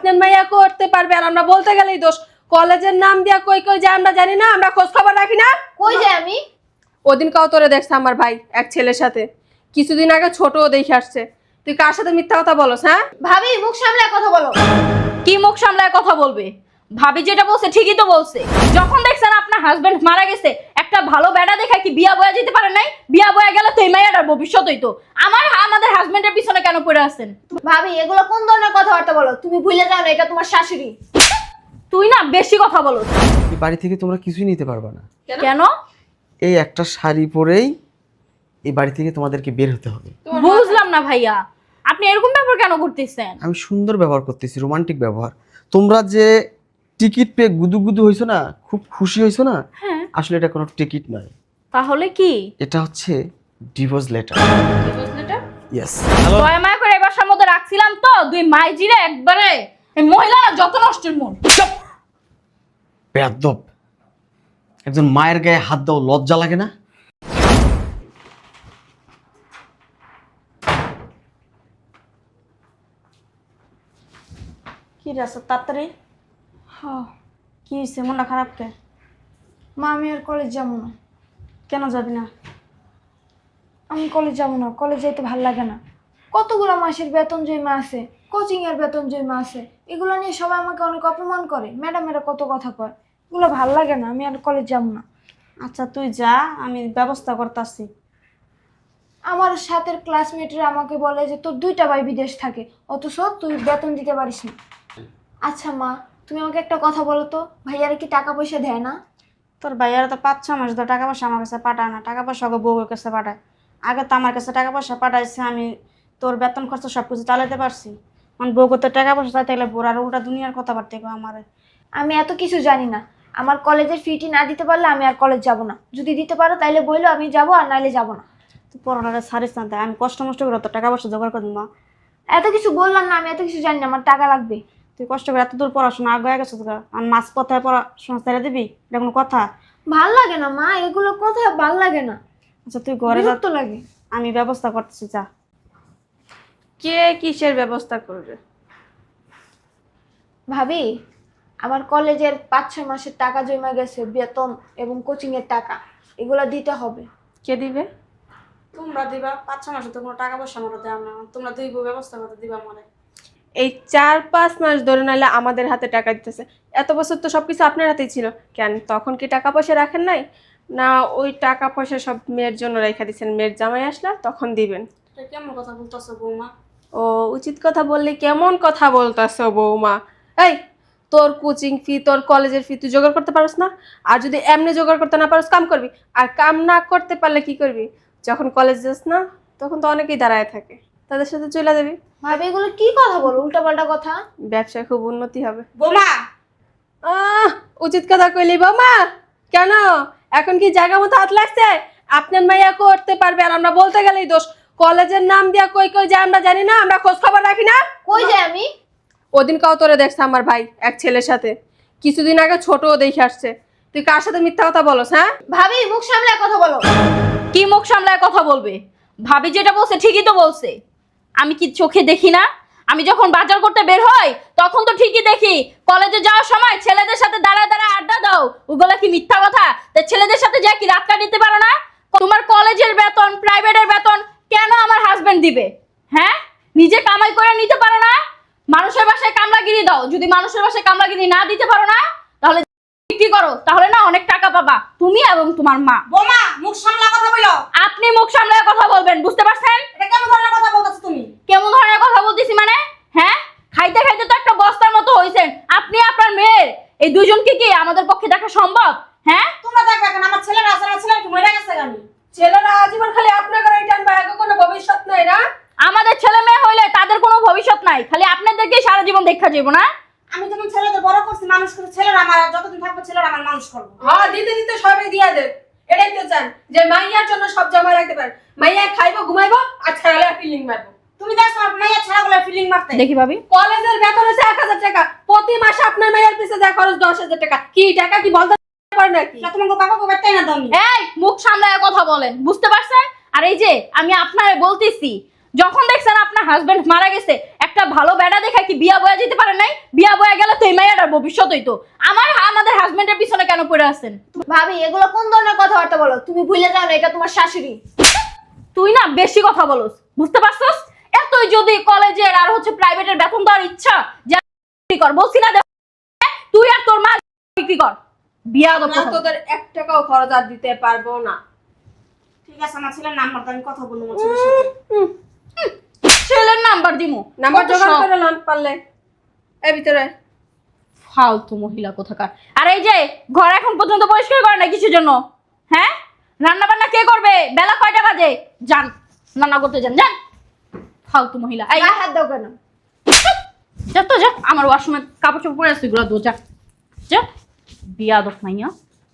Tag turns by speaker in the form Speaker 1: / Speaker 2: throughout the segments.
Speaker 1: আপনার মাইয়া করতে পারবে আর আমরা বলতে গেলেই দোষ। কলেজের নাম দিয়া কই কই যায় আমরা জানি না, আমরা খোঁজ খবর রাখি না।
Speaker 2: কই যাই আমি?
Speaker 1: ওদিন কাও তোরে দেখছে আমার ভাই এক ছেলের সাথে, কিছুদিন আগে ছোটও দেখে আসছে। তুই কার সাথে মিথ্যা কথা বলস? হ্যাঁ
Speaker 2: ভাবি মুখ সামলে কথা বলো।
Speaker 3: কি মুখ সামলায় কথা বলবে? ভাবি যেটা বলছে ঠিকই তো বলছে। যখন দেখছেন আপনার হাজবেন্ড মারা গেছে, একটা ভালো বেড়া দেখা কি বিয়া বয়া যেতে পারে নাই? বিয়া বয়া গেলে তো এই মাইয়াটার ভবিষ্যৎ হইতো। আমাদের হাজবেন্ডের পিছনে কেন পড়ে আছেন?
Speaker 2: ভাবি এগুলো কোন ধরনের কথাবার্তা বলো? তুমি ভুলে যাও না এটা তোমার শাশুড়ি।
Speaker 3: তুই না বেশি কথা বলো।
Speaker 4: এই বাড়ি থেকে তোমরা কিছুই নিতে পারবে না।
Speaker 3: কেন?
Speaker 4: এই একটা শাড়ি পরেই এই বাড়ি থেকে তোমাদেরকে বের হতে হবে।
Speaker 3: বুঝলাম না ভাইয়া, আপনি এরকম ব্যাপার কেন করতেছেন?
Speaker 4: আমি সুন্দর ব্যবহার করতেছি, রোমান্টিক ব্যবহার। তোমরা যে টিকিট পেয়ে গুদুগুদু হইছো না, খুব খুশি হইছো না,
Speaker 3: হ্যাঁ।
Speaker 4: আসলে এটা কোনো টিকিট নয়,
Speaker 3: তাহলে কি?
Speaker 4: এটা হচ্ছে ডিভোর্স লেটার। ইয়েস।
Speaker 3: দয়া মায়া করে এই বাসার মধ্যে রাখছিলাম তো, দুই মাইজিরে একবারে এই মহিলারা যত নষ্টের মন।
Speaker 4: বেয়াদব, একজন মায়ের গায়ে হাত দাও, লজ্জা লাগে না?
Speaker 5: কি রে আসো তাড়াতাড়ি? কি হয়েছে, মনটা খারাপ কে?
Speaker 2: মা আমি আর কলেজ যাবো না।
Speaker 5: কেন যাবি না?
Speaker 2: আমি কলেজ যাবো না, কলেজ যাইতে ভাল লাগে না। কতগুলো মাসের বেতন জমা আছে, কোচিং এর বেতন জমা আছে, এগুলো নিয়ে সবাই আমাকে অনেক অপমান করে, ম্যাডামেরা কত কথা কয়, এগুলো ভাল লাগে না, আমি আর কলেজ যাবো না।
Speaker 5: আচ্ছা তুই যা, আমি ব্যবস্থা করতেছি।
Speaker 2: আমার সাথের ক্লাসমেটরা আমাকে বলে যে তোর দুইটা ভাই বিদেশ থাকে, অথচ তুই বেতন দিতে পারিস না। আচ্ছা মা, তুমি আমাকে একটা কথা বলো তো, ভাইয়ারা কি টাকা পয়সা দেয় না?
Speaker 5: তোর ভাইয়ারা তো 5-6 মাস ধরে টাকা পয়সা আমার কাছে পাঠায় না, টাকা পয়সা ওকে বউয়ের কাছে পাঠায়। আগে তো আমার কাছে টাকা পয়সা পাঠাইছে, আমি তোর বেতন খরচ সব কিছু চালাতে পারছি। মানে বউকে তো টাকা পয়সা চাইতে গেলে বোর আর উল্টা দুনিয়ার কথাবার্তা কো আমার।
Speaker 2: আমি এত কিছু জানি না, আমার কলেজের ফিটি না দিতে পারলে আমি আর কলেজ যাব না, যদি দিতে পারো তাইলে বললো আমি যাব, আর নাইলে যাব না।
Speaker 5: তুই পড়াটা ছাড়িস না, তাই আমি কষ্ট মষ্ট করে তো টাকা পয়সা জোগাড় করে দিন।
Speaker 2: এত কিছু বললাম না, আমি এত কিছু জানি না, আমার টাকা লাগবে।
Speaker 5: তুই কষ্ট করে এত দূর পড়াশোনা আগে গেছিস, আর মাছ পথায় পড়াশোনা ছেড়ে দিবি? এটা কোনো কথা?
Speaker 2: ভাল লাগে না মা, এগুলো কোথায় ভাল লাগে না,
Speaker 5: আচ্ছা তুই ঘরে যা,
Speaker 2: বিরক্ত লাগে।
Speaker 5: আমি ব্যবস্থা করতেছি, যা।
Speaker 1: কে কিসের ব্যবস্থা করবে?
Speaker 2: ভাবি আমার কলেজের 5-6 মাসের টাকা জমা গেছে, বেতন এবং কোচিং এর টাকা, এগুলো দিতে হবে।
Speaker 1: কে দিবে?
Speaker 5: তোমরা দিবা। 5-6 মাসে তো কোনো টাকা পয়সা আমরা দেওয়া না, তোমরা দুই বউ ব্যবস্থা করতে দিবা আমারে।
Speaker 1: এই 4-5 মাস ধরে নাইলে আমাদের হাতে টাকা দিতেছে। এত বছর তো সবকিছু আপনার হাতেই ছিল, কেন তখন কি টাকা পয়সা রাখেন নাই? না ওই টাকা পয়সা সব মেয়ের জন্য রেখে দিচ্ছেন, মেয়ের জামাই আসলা তখন দিবেন?
Speaker 5: এটা কেমন কথা বলতেছো বৌমা?
Speaker 1: ও উচিত কথা বললে কেমন কথা বলতাছো বৌমা? এই তোর কোচিং ফি, তোর কলেজের ফি তুই জোগাড় করতে পারস না? আর যদি এমনি জোগাড় করতে না পারস, কাম করবি। আর কাম না করতে পারলে কি করবি? যখন কলেজ যাস না তখন তো অনেকেই দাঁড়ায় থাকে, তাদের সাথে চলে যাবি।
Speaker 2: ভাবি এগুলো কি কথা বলো, উল্টাপাল্টা কথা।
Speaker 1: ব্যবসায় খুব উন্নতি হবে।
Speaker 5: বৌমা
Speaker 1: উচিত কথা কইলি বৌমা। কেন এখন কি জায়গা মতো হাত লাগছে? আপনার মাইয়া করতে পারবে আর আমরা বলতে গেলেই দোষ। কলেজের নাম দিয়া কই কই যায় আমরা জানি না, আমরা খোঁজ খবর রাখি না।
Speaker 2: কই যাই আমি?
Speaker 1: ওদিন কাও তোরে দেখছে আমার ভাই এক ছেলের সাথে, কিছুদিন আগে ছোটও দেখে আসছে। তুই কার সাথে মিথ্যা কথা বলস? হ্যাঁ
Speaker 2: ভাবি মুখ সামলে কথা বলো।
Speaker 3: কি মুখ সামলায় কথা বলবে? ভাবি যেটা বলছে ঠিকই তো বলছে। আমি কি চোখে দেখি না? আমি যখন বাজার করতে বের হই তখন তো ঠিকই দেখি কলেজে যাওয়ার সময় ছেলেদের সাথে দাঁড়ায় দাঁড়ায় আড্ডা দাও। ওগুলা কি মিথ্যা কথা? তা ছেলেদের সাথে যা কি রাত কাটাতে পারো না? তোমার কলেজের বেতন, প্রাইভেটের বেতন কেন আমার হাজবেন্ড দিবে? হ্যাঁ, নিজে কামাই করে নিতে পারো না? মানুষের বাসায় কামলাগিরি দাও। যদি মানুষের বাসায় কামলাগিরি না দিতে পারো না, তাহলে বিক্রি করো, তাহলে না অনেক টাকা পাবা তুমি এবং তোমার মা।
Speaker 5: বৌমা মুখ সামলা কথা বলো।
Speaker 3: আপনি মুখ সামলায় কথা বলবেন, বুঝতে পারছেন?
Speaker 5: এটা কেমন ধরনের কথা বলতেছো তুমি?
Speaker 3: কেমন ধরনের কথা বলতেছি মানে? হ্যাঁ, খাইতে খাইতে তো একটা বস্তার মতো হইছেন আপনি। আপনার মেয়ের এই দুজনকে কি আমাদের পক্ষে দেখা সম্ভব? হ্যাঁ
Speaker 5: তোমরা দেখবে এখন আমার ছেলেরা আছে, আমার ছেলে একটু মরে গেছে গানি।
Speaker 1: ছেলেরা আজীবন খালি আপনার ঘরে টানবে, আগে কোনো ভবিষ্যৎ নাই না?
Speaker 3: আমাদের ছেলে মেয়ে হইলে তাদের কোনো ভবিষ্যৎ নাই, খালি আপনাদেরকে সারা জীবন দেখা যাবো না?
Speaker 5: আমি যখন ছেলেদের বড় করছি, মানুষ করে, ছেলেরা আমার যতদিন থাকবে ছেলেরা আমার মানুষ করবো।
Speaker 1: হ্যাঁ দিতে দিতে সবাই দিয়া দেন। এটাই তো চান যে মাইয়ার জন্য সব জমা রাখতে পারেন। মাইয়া খাইবো, ঘুমাইবো আর ছাড়ালে ফিলিং মারবো।
Speaker 5: তুমি দেখছো আমার মাইয়া ছাড়াগুলো ফিলিং মারতে।
Speaker 3: দেখি ভাবি,
Speaker 1: কলেজের বেতন হচ্ছে 1000 টাকা, প্রতি মাসে আপনার মাইয়ার পিছে যায় খরচ 10,000 টাকা। কি টাকা কি বলতে পারেন নাকি?
Speaker 5: তোমাকে বাবা বেতাই না দামি।
Speaker 3: এই মুখ সামলায় কথা বলেন, বুঝতে পারছেন? আর এই যে আমি আপনারে বলতেছি, যখন দেখছেন আপনার হাজবেন্ড মারা গেছে, একটা ভালো বেড়া দেখা কি বিয়া বয়া যেতে পারে নাই? বিয়া বয়া গেলে তো এই মেয়েটার ভবিষ্যৎ হইতো। আমাদের হাজবেন্ডের পিছনে কেন পড়ে আছেন?
Speaker 2: ভাবি এগুলো কোন ধরনের কথাবার্তা বলো? তুমি ভুলে যাও না এটা তোমার শাশুড়ি।
Speaker 3: তুই না বেশি কথা বলস, বুঝতে পারছস? এতই যদি কলেজের আর হচ্ছে প্রাইভেটের বেতন দেওয়ার ইচ্ছা, যা বিক্রি কর, বলছি না তুই আর তোর মা বিক্রি কর। বিয়া
Speaker 1: না তোদের 1 টাকাও খরচ আর দিতে পারবো না।
Speaker 5: ঠিক আছে, আমার ছেলের নাম্বার আমি কথা বলবো আমার ছেলের সাথে।
Speaker 3: ছেলের নাম্বার দিমু,
Speaker 1: নাম্বার
Speaker 3: কত
Speaker 1: জোগাড়
Speaker 3: শখ।
Speaker 1: করে লন পারলে এই ভিতরে।
Speaker 3: ফালতু মহিলা কোথাকার। আর এই যে ঘর এখন পর্যন্ত পরিষ্কার করে না কিছুর জন্য, হ্যাঁ? রান্না বান্না কে করবে? বেলা কয়টা বাজে? যান রান্না করতে যান, যান। ফালতু মহিলা। এই
Speaker 2: গায়ে হাত দাও কেন?
Speaker 3: যা তো যা, আমার ওয়াশরুমে কাপড় চোপড় পরে আছে, এগুলো দো, যা যা। বিয়াদব মাইয়া।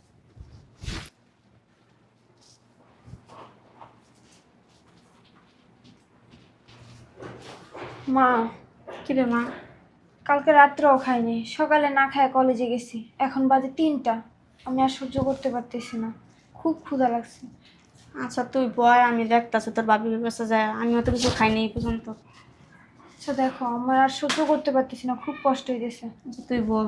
Speaker 2: মা,
Speaker 5: কি রে মা?
Speaker 2: কালকে রাত্রেও খাইনি, সকালে না খায় কলেজে গেছি, এখন বাজে 3টা। আমি আর সহ্য করতে পারতেছি না, খুব ক্ষুধা লাগছে।
Speaker 5: আচ্ছা তুই বয়, আমি দেখতাছি তোর বাবির কাছে যায়। আমিও তো কিছু খাইনি এই পর্যন্ত।
Speaker 2: আচ্ছা দেখো, আমার আর সহ্য করতে পারতেছি না, খুব কষ্ট হইতেছে।
Speaker 5: আচ্ছা, তুই বল।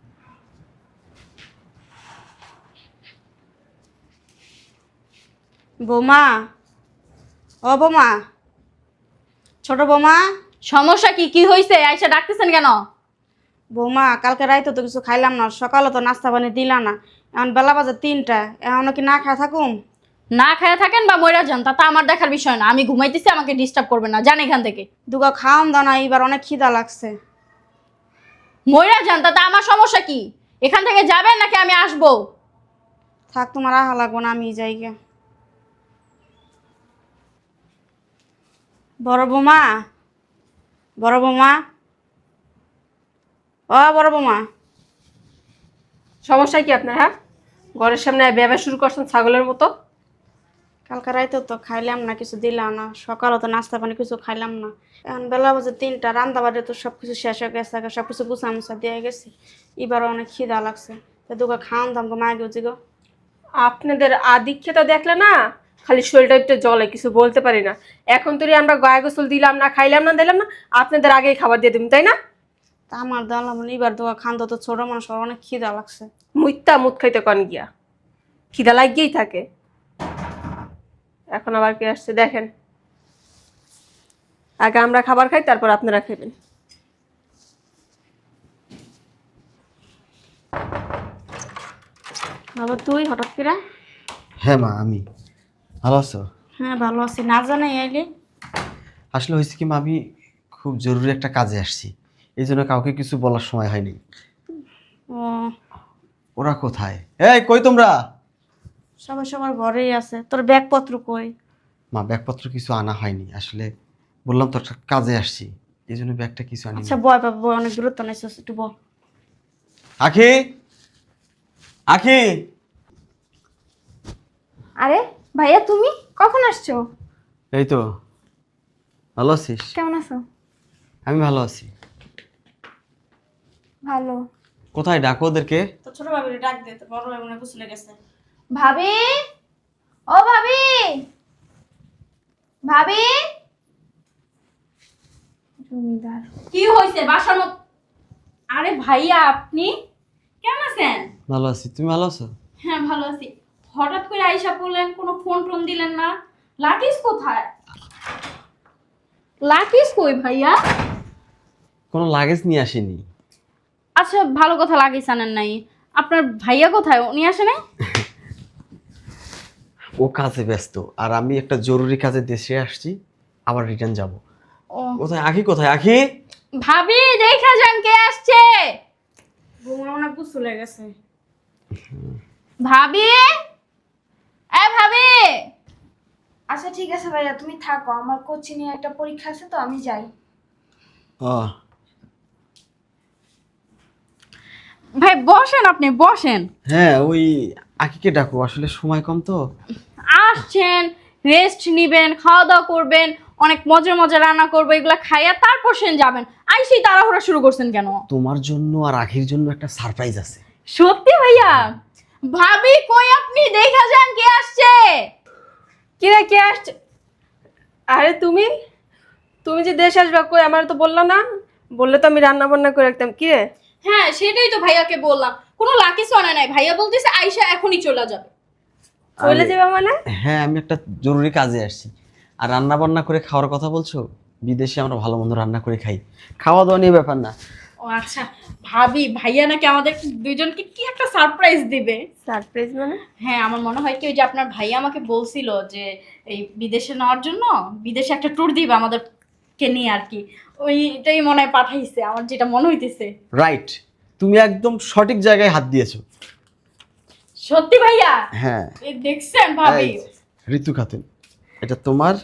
Speaker 5: বৌমা, ও বৌমা, ছোট বৌমা।
Speaker 3: সমস্যা কি? কি হয়েছে? আইসা ডাকতেছেন কেন?
Speaker 5: বৌমা, কালকে রাইতে তো কিছু খাইলাম না, সকালে তো নাস্তা পানি দিলা না, এখন বেলা বাজে 3টা, এখন কি না খায় থাকুম?
Speaker 3: না খায়া থাকেন বা মইরা যান, তা আমার দেখার বিষয় না। আমি ঘুমাইতেছি, আমাকে ডিস্টার্ব করবেন না, যান এখান থেকে।
Speaker 5: দুগা খাওয়াম দাও না, এবার অনেক খিদা লাগছে।
Speaker 3: মইরা যান, তাতে আমার সমস্যা কি? এখান থেকে যাবেন নাকি আমি আসবো?
Speaker 5: থাক, তোমার আহা লাগবো না, আমি যাই গে। বড় বৌমা, বড় বৌমা, ও বড় বৌমা।
Speaker 1: সমস্যা কি আপনার? হ্যাঁ, ঘরের সামনে ব্যবসা শুরু করছেন ছাগলের মতো।
Speaker 5: কালকে রাইতে তো খাইলাম না, কিছু দিলাম না, সকালে তো নাস্তা পানি কিছু খাইলাম না, এখন বেলা বাজে 3টা, রান্না বাড়ি তো সব কিছু শেষ হয়ে গেছে, সব কিছু গুছা মুছা দিয়ে গেছি, এবার অনেক খিদা লাগছে। তো দুগা খাওয়ান দাম গো, মায় গেছি গো।
Speaker 1: আপনাদের আদিক্ষেতা দেখলে না খালি শরীরটা একটু জ্বলে, কিছু বলতে পারি না। এখন তো আমরা গায়ে গোসল দিলাম না, খাইলাম না, দিলাম না, আপনাদের আগেই খাবার দিয়ে দিম, তাই না?
Speaker 5: তা আমার দাম এবার দুগা খান তো, ছোট মানুষ, ওর অনেক খিদা লাগছে।
Speaker 1: মুইত্তা মুত খাইতে কন গিয়া, খিদা লাগিয়েই থাকে। এখন আবার কে আসছে দেখেন। আগে আমরা খাবার খাই, তারপর আপনারা খাবেন।
Speaker 5: বাবা তুই হঠাৎ করে?
Speaker 4: হ্যাঁ মা, আমি ভালো আছো?
Speaker 5: হ্যাঁ ভালো আছি, না জানাই আইলি?
Speaker 4: আসলে হয়েছে কি মা, আমি খুব জরুরি একটা কাজে আসছি, এই জন্য কাউকে কিছু বলার সময় হয়নি।
Speaker 5: ও,
Speaker 4: ওরা কোথায়? এই কই তোমরা?
Speaker 5: সবাই সবার ঘরেই আছে। তোর ব্যাগপত্র কই?
Speaker 4: মা ব্যাগপত্র কিছু আনা হয়নি, আসলে বললাম তো একটা কাজে আসছি, এই জন্য ব্যাগটা কিছু আনি।
Speaker 5: আচ্ছা বয় বাবা বয়, অনেক দূরত্ব নাইছিস, একটু বল।
Speaker 4: আখি, আখি।
Speaker 2: আরে ভাইয়া, তুমি কখন আসছো?
Speaker 4: এই তো। ভালো আছিস?
Speaker 2: কেমন আছো?
Speaker 4: আমি ভালো আছি।
Speaker 2: ভালো।
Speaker 4: কোথায় ডাকো ওদেরকে?
Speaker 5: তো ছোট ভাবির ডাক দে, তো বড় ভাই মনে গুছলে গেছে।
Speaker 2: ভাবি, ও ভাবি, ভাবি। জমিদার।
Speaker 3: কি হয়েছে বাসার মত? আরে ভাইয়া, আপনি কেমন আছেন?
Speaker 4: ভালো আছি, তুমি ভালো আছো?
Speaker 3: হ্যাঁ ভালো আছি। হঠাৎ করে আইসা পড়লেন, কোনো ফোন টোন দিলেন না। লাকিস কোথায়? লাকিস কই ভাইয়া?
Speaker 4: কোনো লাগেজ নিয়ে আসেনি।
Speaker 3: আচ্ছা ভালো কথা, লাগিস আনেন নাই। আপনার ভাইয়া কোথায়? উনি আসে নাই?
Speaker 4: ও কাজে ব্যস্ত, আর আমি একটা জরুরি কাজে দেশে আসছি, আবার রিটার্ন যাব।
Speaker 3: ও
Speaker 4: কোথায় আখি? কোথায় আখি?
Speaker 3: ভাবি, দেখা যান কে আসছে।
Speaker 5: বৌমা মনে গুছলে গেছে।
Speaker 3: ভাবি, এ ভাবি।
Speaker 2: আচ্ছা ঠিক আছে ভাইয়া, তুমি থাকো, আমার কোচিংয়ে একটা পরীক্ষা আছে তো আমি যাই।
Speaker 4: ও
Speaker 3: ভাই বসেন, আপনি বসেন।
Speaker 4: হ্যাঁ, ওই আখিকে ডাকো, আসলে সময় কম তো।
Speaker 3: আসছেন, রেস্ট নিবেন, খাওয়া দাওয়া করবেন, অনেক মজা মজা রান্না করবো, এগুলা খাইয়া তারপর সেন যাবেন। আইসেই তাড়াহুড়া শুরু করছেন কেন?
Speaker 4: তোমার জন্য আর আখির জন্য একটা সারপ্রাইজ আছে।
Speaker 3: সত্যি ভাইয়া? ভাবি কই আপনি? দেখা যান কে আসছে।
Speaker 1: কিরে কে আসছে? আরে তুমি তুমি যে দেশে আসবে কই আমার তো বললা না, বললে তো আমি রান্না বান্না করে রাখতাম। কি রে
Speaker 3: হ্যাঁ সেটাই তো ভাইয়াকে বললাম, কোনো লাকি সোনা নাই। ভাইয়া বলতেছে আইসা এখনই চলে যাবে।
Speaker 1: চলে যাবে মানে?
Speaker 4: হ্যাঁ, আমি একটা জরুরি কাজে আসছি। আর রান্না বান্না করে খাওয়ার কথা বলছো? বিদেশে আমরা ভালো মন্দ রান্না করে খাই, খাওয়া দাওয়া নিয়ে ব্যাপার না।
Speaker 3: ও আচ্ছা, ভাবি ভাইয়া নাকি আমাদের দুইজনকে কি একটা সারপ্রাইজ দিবে।
Speaker 1: সারপ্রাইজ মানে?
Speaker 3: হ্যাঁ আমার মনে হয় কি ওই যে আপনার ভাইয়া আমাকে বলছিল যে এই বিদেশে নেওয়ার জন্য বিদেশে একটা ট্যুর দিবে আমাদেরকে নিয়ে আর কি, ওইটাই মনে হয় পাঠাইছে, আমার যেটা মনে হইতেছে।
Speaker 4: রাইট, তুমি একদম সঠিক জায়গায় হাত দিয়েছো।
Speaker 3: সত্যি ভাইয়া?
Speaker 4: হ্যাঁ।
Speaker 3: এই দেখছেন ভাবি?
Speaker 4: এই, ঋতু খাতুন, এটা তোমার।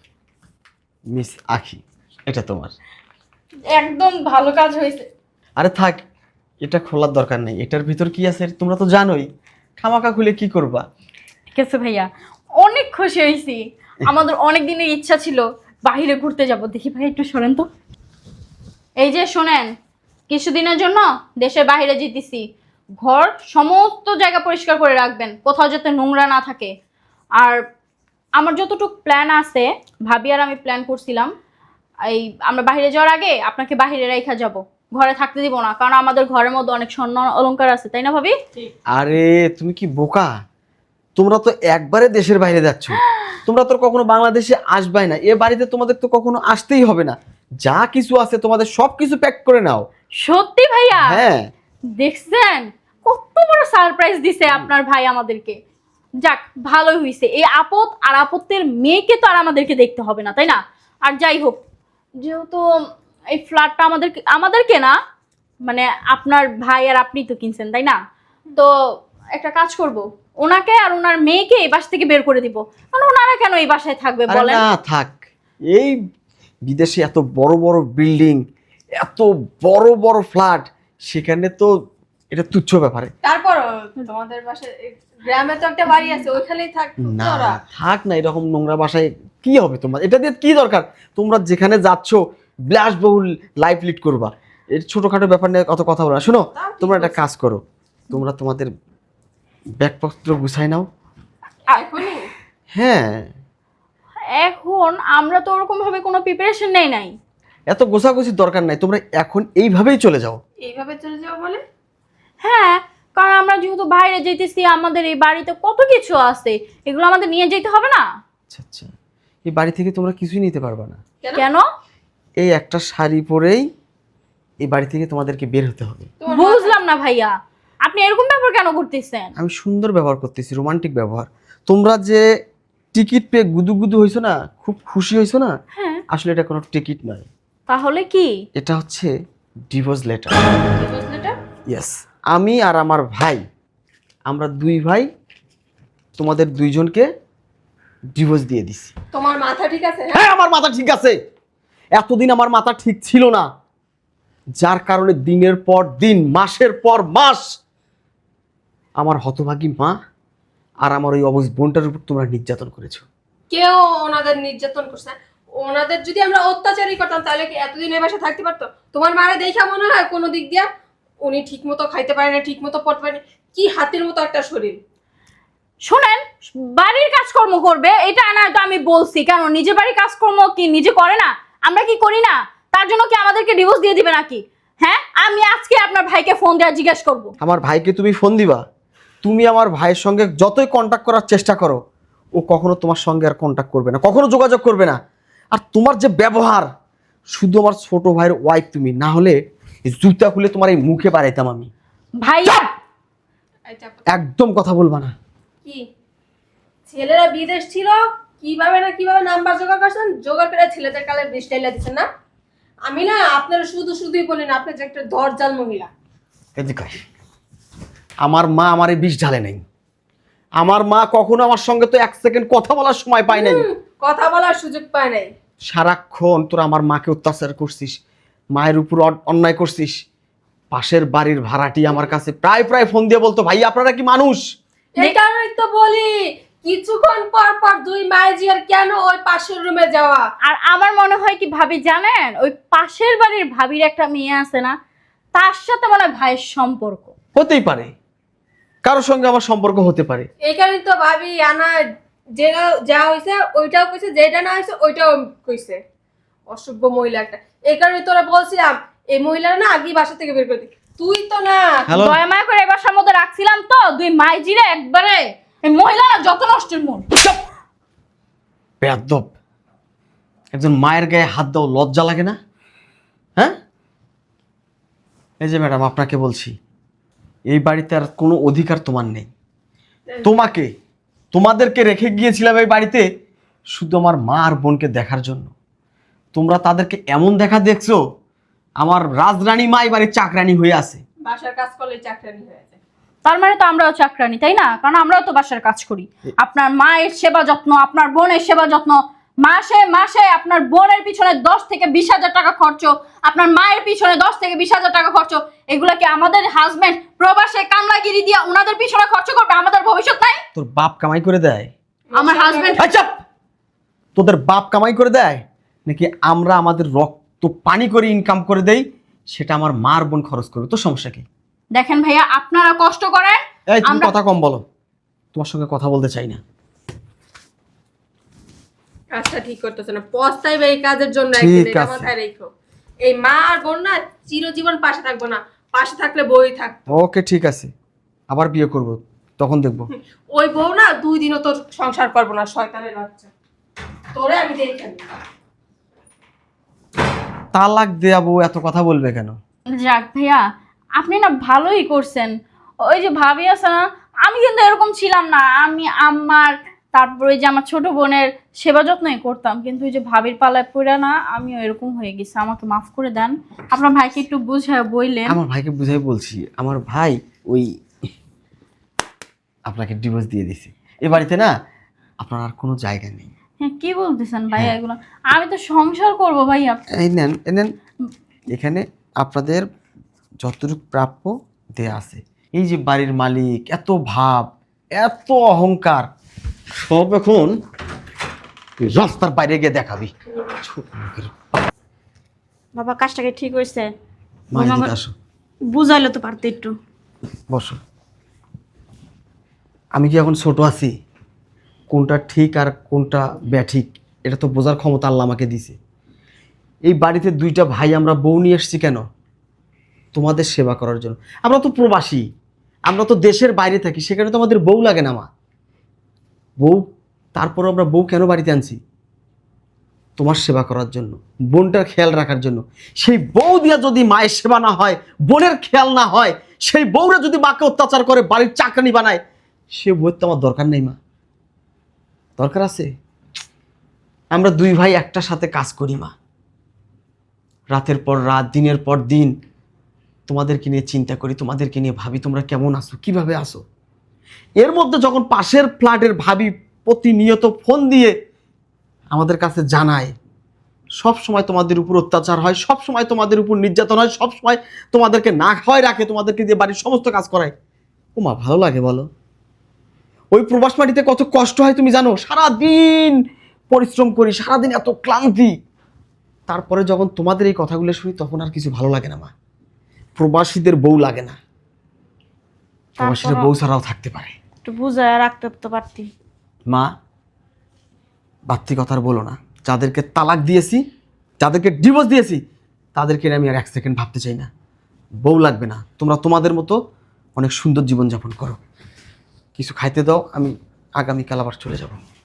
Speaker 4: মিস আখি, এটা তোমার।
Speaker 3: একদম ভালো কাজ হয়েছে।
Speaker 4: আরে থাক, এটা খোলার দরকার নেই। এটার ভিতর কি আছে তোমরা তো জানোই, খামাকা খুলে কি করবা।
Speaker 3: ঠিক আছে ভাইয়া, অনেক খুশি হয়েছি। আমাদের অনেক দিনের ইচ্ছা ছিল বাইরে ঘুরতে যাব। দেখি ভাই একটু শোনেন তো, এই যে শোনেন, কিছুদিনের জন্য দেশের বাইরে যেতেছি। ঘর সমস্ত জায়গা পরিষ্কার করে রাখবেন, কোথাও যাতে নোংরা না থাকে। আর আমার যতটুকু প্ল্যান আছে, ভাবি আর আমি প্ল্যান করছিলাম এই আমরা বাইরে যাওয়ার আগে আপনাকে বাইরে রাইখা যাব, ঘরে থাকতে দিব না, কারণ আমাদের ঘরের মধ্যে অনেক স্বর্ণ অলংকার আছে, তাই না ভাবি?
Speaker 4: আরে তুমি কি বোকা? তোমরা তো একবারে দেশের বাইরে যাচ্ছ, তোমরা তো কখনো বাংলাদেশে আসবাই না। এ বাড়িতে তোমাদের তো কখনো আসতেই হবে না। যা কিছু আছে তোমাদের সব কিছু প্যাক করে নাও।
Speaker 3: সত্যি ভাইয়া?
Speaker 4: হ্যাঁ।
Speaker 3: দেখছেন কত বড় সারপ্রাইজ দিছে আপনার ভাই আমাদেরকে। যাক ভালোই হইছে, এই আপদ আর আপত্তির মেয়েকে তো আর আমাদেরকে দেখতে হবে না, তাই না? আর যাই হোক, যেহেতু এই ফ্ল্যাটটা আমাদেরকে না, মানে আপনার ভাই আর আপনি তো কিনছেন, তাই না? তো একটা কাজ করব, ওনাকে আর ওনার মেয়েকে এই বাসা থেকে বের করে দিব। কারণ ওনারা কেন এই বাসায় থাকবে
Speaker 4: আরে
Speaker 3: বলেন?
Speaker 4: না থাক, এই বিদেশে এত বড় বড় বিল্ডিং, এত বড় বড় ফ্ল্যাট, সেখানে তো এটা তুচ্ছ ব্যাপারে।
Speaker 1: তারপর তোমাদের বাসায় গ্রামে তো একটা বাড়ি আছে, ওইখানেই থাক
Speaker 4: না
Speaker 1: তোরা।
Speaker 4: থাক না, এরকম নোংরা বাসায় কি হবে তোমার? এটা দিয়ে কি দরকার? তোমরা যেখানে যাচ্ছ বিলাসবহুল লাইফ লিড করবা, এর ছোটখাটো ব্যাপার নিয়ে কত কথা বলো না। শোনো, তোমরা একটা কাজ করো, তোমরা তোমাদের ব্যাগপত্র গুছাই নাও।
Speaker 1: এখনই?
Speaker 4: হ্যাঁ,
Speaker 3: এখন আমরা তো ওরকম ভাবে কোনো প্রিপারেশন নেই নাই।
Speaker 4: এত গোছাগুছির দরকার নাই, তোমরা এখন এইভাবেই চলে যাও।
Speaker 1: এইভাবে চলে যাবো বলে?
Speaker 3: হ্যাঁ, কারণ আমরা যেহেতু বাইরে যেতেছি, আমাদের এই বাড়িতে কত কিছু আছে, এগুলো আমাদের নিয়ে যেতে হবে না?
Speaker 4: আচ্ছা আচ্ছা, এই বাড়ি থেকে তোমরা কিছুই নিতে পারবা না।
Speaker 3: কেন?
Speaker 4: এই একটা শাড়ি পরেই এই বাড়ি থেকে তোমাদেরকে বের হতে হবে।
Speaker 3: বুঝলাম না ভাইয়া, আপনি এরকম ব্যাপার কেন করতেছেন?
Speaker 4: আমি সুন্দর ব্যবহার করতেছি, রোমান্টিক ব্যবহার। তোমরা যে টিকিট পেয়ে গুদুগুদু হইছো না, খুব খুশি হইছো না,
Speaker 3: হ্যাঁ।
Speaker 4: আসলে এটা কোনো টিকিট নয়,
Speaker 3: তাহলে কি?
Speaker 4: এটা হচ্ছে ডিভোর্স লেটার।
Speaker 3: বুঝলেটা?
Speaker 4: ইয়েস, আমি আর আমার ভাই, আমরা দুই ভাই তোমাদের দুইজনকে ডিভোর্স দিয়ে দিছি।
Speaker 1: তোমার মাথা ঠিক আছে?
Speaker 4: হ্যাঁ, আমার মাথা ঠিক আছে। এতদিন আমার মাথা ঠিক ছিল না, যার কারণে দিনের পর দিন, মাসের পর মাস আমার হতভাগী মা আর আমার ওই অবশ বোনটার উপর তোমরা নির্যাতন করেছো।
Speaker 1: কেউ ওনাদের নির্যাতন করছে? ওনাদের যদি আমরা অত্যাচারই করতাম তাহলে কি এতদিন এই বাসায় থাকতে পারতো? তোমার মারে দেখা মনে হয় কোনো দিক দিয়া উনি ঠিক মতো খাইতে পারে না, ঠিক মতো পড়তে পারে না, কি হাতির মতো একটা শরীর।
Speaker 3: শোনেন, বাড়ির কাজকর্ম করবে এটা না, তো আমি বলছি কেন, নিজে বাড়ির কাজকর্ম কি নিজে করে না? আমরা কি করি না? তার জন্য কি আমাদেরকে ডিভোর্স দিয়ে দিবে নাকি? হ্যাঁ, আমি আজকে আপনার ভাইকে ফোন দেওয়া জিজ্ঞেস করব।
Speaker 4: আমার ভাইকে তুমি ফোন দিবা? তুমি আমার ভাইয়ের সঙ্গে যতই কন্ট্যাক্ট করার চেষ্টা করো, ও কখনো তোমার সঙ্গে আর কন্ট্যাক্ট করবে না, কখনো যোগাযোগ করবে না। আর তোমার যে ব্যবহার, শুধু আমার ছোট ভাইয়ের ওয়াইফ তুমি, না হলে এই জুতা খুলে তোমার এই মুখে বাড়াইতাম আমি।
Speaker 3: ভাইয়া
Speaker 4: একদম কথা বলবা না।
Speaker 1: কি ছেলেরা বিদেশ ছিল, কিভাবে না কিভাবে নাম্বার জোগাড় করছেন, জোগাড় করে ছেলেদের কালে বৃষ্টাইলা দিচ্ছেন না? আমি না আপনারা শুধুই বলেন আপনি যে একটা দরজাল মহিলা।
Speaker 4: এদিকে আয়। আমার মা আমার এই বিষ ঢালে নাই। আমার মা কখনো আমার সঙ্গে তো এক সেকেন্ড কথা বলার সময় পায় নাই।
Speaker 1: কথা বলার সুযোগ পায় নাই।
Speaker 4: সারাক্ষণ তোরা আমার মাকে অত্যাচার করছিস, মায়ের উপর অন্যায় করছিস। পাশের বাড়ির ভাড়াটি আমার কাছে প্রায় ফোন দিয়ে বলতো, ভাই আপনারা কি মানুষ?
Speaker 1: এই কারণেই তো বলি কিছুক্ষণ পর পর দুই মাইজি আর কেন ওই পাশের রুমে যাওয়া।
Speaker 3: আর আমার মনে হয় কি ভাবি জানেন, ওই পাশের বাড়ির ভাবির একটা মেয়ে আছে না, তার সাথে মনে হয় ভাইয়ের সম্পর্ক।
Speaker 4: হতেই পারে, কারোর সঙ্গে আমার সম্পর্ক হতে পারে।
Speaker 1: এই কারণে তো ভাবি আনা যেটা যা হয়েছে ওইটাও কইছে, যেটা না হয়েছে ওইটাও কইছে। অসভ্য মহিলা একটা। এই কারণে তোরা বলছিলাম এই মহিলারা না আগেই বাসা থেকে বের করে দিই। তুই তো না।
Speaker 4: হ্যালো
Speaker 3: দয়া মায়া করে এই বাসার মধ্যে রাখছিলাম তো, দুই মাইজিরে একবারে এই মহিলা যত নষ্টের মন।
Speaker 4: বেয়াদব, একজন মায়ের গায়ে হাত দাও, লজ্জা লাগে না? হ্যাঁ, এই যে ম্যাডাম আপনাকে বলছি, এই বাড়িতে আর কোনো অধিকার তোমার নেই। তোমাদেরকে রেখে গিয়েছিলাম এই বাড়িতে শুধু আমার মা আর বোনকে দেখার জন্য। তোমরা তাদেরকে এমন দেখা দেখছো, আমার রাজরানী মা এই বাড়ির চাকরানী হয়ে আছে।
Speaker 1: বাসার কাজ করলে চাকরানি হয়ে যায়।
Speaker 3: তার মানে তো আমরাও চাকরানি, তাই না? কারণ আমরাও তো বাসার কাজ করি। আপনার মায়ের সেবা যত্ন, আপনার বোনের সেবা যত্ন, মাসে মাসে আপনার বোনের পিছনে 10 থেকে 20,000 টাকা খরচ, আপনার মায়ের পিছনে 10 থেকে 20,000 টাকা খরচ। এগুলা কি আমাদের হাজবেন্ড প্রবাসে কামলাগিরি দিয়ে ওনাদের পিছনে খরচ করবে? আমাদের ভবিষ্যৎ নাই?
Speaker 4: তোর বাপ কামাই করে দেয়?
Speaker 3: আমার হাজবেন্ড
Speaker 4: আচ্ছা, তোদের বাপ কামাই করে দেয় নাকি আমরা আমাদের রক্ত পানি করে ইনকাম করে দেই? সেটা আমার মার বোন খরচ করবে, তোর সমস্যা কি?
Speaker 3: দেখেন ভাইয়া, আপনারা কষ্ট করেন।
Speaker 4: এই তুমি কথা কম বলো, তোমার সঙ্গে কথা বলতে চাই না।
Speaker 1: কাজটা ঠিক করতেছে না, পস্তাইবে এই কাজের জন্য।
Speaker 4: ঠিক
Speaker 1: একদিন এটা
Speaker 4: আছে।
Speaker 1: মাথায় রেখো। এই মা আর বোন না চিরজীবন পাশে থাকবো না, পাশে থাকলে বই থাক।
Speaker 4: ওকে ঠিক আছে, আবার বিয়ে করব, তখন দেখবো।
Speaker 1: ওই বউ না 2 দিনও তোর সংসার করবো না, শয়তানের বাচ্চা। তোরে আমি দেখে নিই।
Speaker 4: তালাক দেয়া বউ এত কথা বলবে কেন?
Speaker 3: যাক ভাইয়া, আপনি না ভালোই করছেন। ওই যে ভাবি আছে না, আমি কিন্তু এরকম ছিলাম না। আমি আমার, তারপরে যে আমার ছোট বোনের সেবা যত্নই করতাম, কিন্তু ওই যে ভাবির পালায় পড়ে না আমিও এরকম হয়ে গেছি। আমাকে মাফ করে দেন। আপনার ভাইকে একটু বুঝায় বইলেন।
Speaker 4: আমার ভাইকে বুঝাই বলছি, আমার ভাই ওই আপনাকে ডিভোর্স দিয়ে দিছে। এ বাড়িতে না আপনার আর কোনো জায়গা নেই।
Speaker 3: হ্যাঁ, কি বলতেছেন ভাইয়া এগুলো? আমি তো সংসার করবো ভাইয়া।
Speaker 4: এই নেন, এই নেন, এখানে আপনাদের যতটুকু প্রাপ্য দেয়া আছে। এই যে বাড়ির মালিক, এত ভাব, এত অহংকার, সব এখন তুই রাস্তার বাইরে গিয়ে দেখাবি। ছোট লোকের
Speaker 5: বাবা কাজটাকে ঠিক হয়েছে?
Speaker 4: মা, এদিকে আসো,
Speaker 5: বুঝাইলে তো পারতে একটু।
Speaker 4: বসো। আমি কি এখন ছোট আছি? কোনটা ঠিক আর কোনটা ব্যাঠিক এটা তো বোঝার ক্ষমতা আল্লাহ আমাকে দিছে। এই বাড়িতে 2টা ভাই আমরা বউ নিয়ে এসেছি কেন? তোমাদের সেবা করার জন্য। আমরা তো প্রবাসী, আমরা তো দেশের বাইরে থাকি, সেখানে তো আমাদের বউ লাগে না মা। বউ, তারপরে আমরা বউ কেন বাড়িতে আনছি? তোমার সেবা করার জন্য, বোনটার খেয়াল রাখার জন্য। সেই বউ দিয়া যদি মায়ের সেবা না হয়, বোনের খেয়াল না হয়, সেই বউরা যদি মাকে অত্যাচার করে বাড়ির চাকরানি বানায়, সে বউয়ের তো আমার দরকার নেই মা। দরকার আছে? আমরা 2 ভাই একটা সাথে কাজ করি মা, রাতের পর রাত, দিনের পর দিন তোমাদেরকে নিয়ে চিন্তা করি, তোমাদেরকে নিয়ে ভাবি তোমরা কেমন আছো, কিভাবে আছো। এর মধ্যে যখন পাশের ফ্ল্যাটের ভাবি প্রতিনিয়ত ফোন দিয়ে আমাদের কাছে জানায় সব সময় তোমাদের উপর অত্যাচার হয়, সব সময় তোমাদের উপর নির্যাতন হয়, সব সময় তোমাদেরকে না খাওয়ায় রাখে, তোমাদেরকে দিয়ে বাড়ির সমস্ত কাজ করায়, ও মা ভালো লাগে বলো? ওই প্রবাস মাটিতে কত কষ্ট হয় তুমি জানো? সারাদিন পরিশ্রম করি, সারাদিন এত ক্লান্তি, তারপরে যখন তোমাদের এই কথাগুলো শুনি তখন আর কিছু ভালো লাগে না মা। প্রবাসীদের বউ লাগে না, প্রবাসীদের বউ ছাড়াও থাকতে পারে।
Speaker 5: একটু বুঝায় রাখতে তো পারতি।
Speaker 4: মা, বাড়তি কথা আর বলো না। যাদেরকে তালাক দিয়েছি, যাদেরকে ডিভোর্স দিয়েছি, তাদেরকে নিয়ে আমি আর 1 সেকেন্ড ভাবতে চাই না। বউ লাগবে না, তোমরা তোমাদের মতো অনেক সুন্দর জীবনযাপন করো। কিছু খাইতে দাও, আমি আগামীকাল আবার চলে যাব।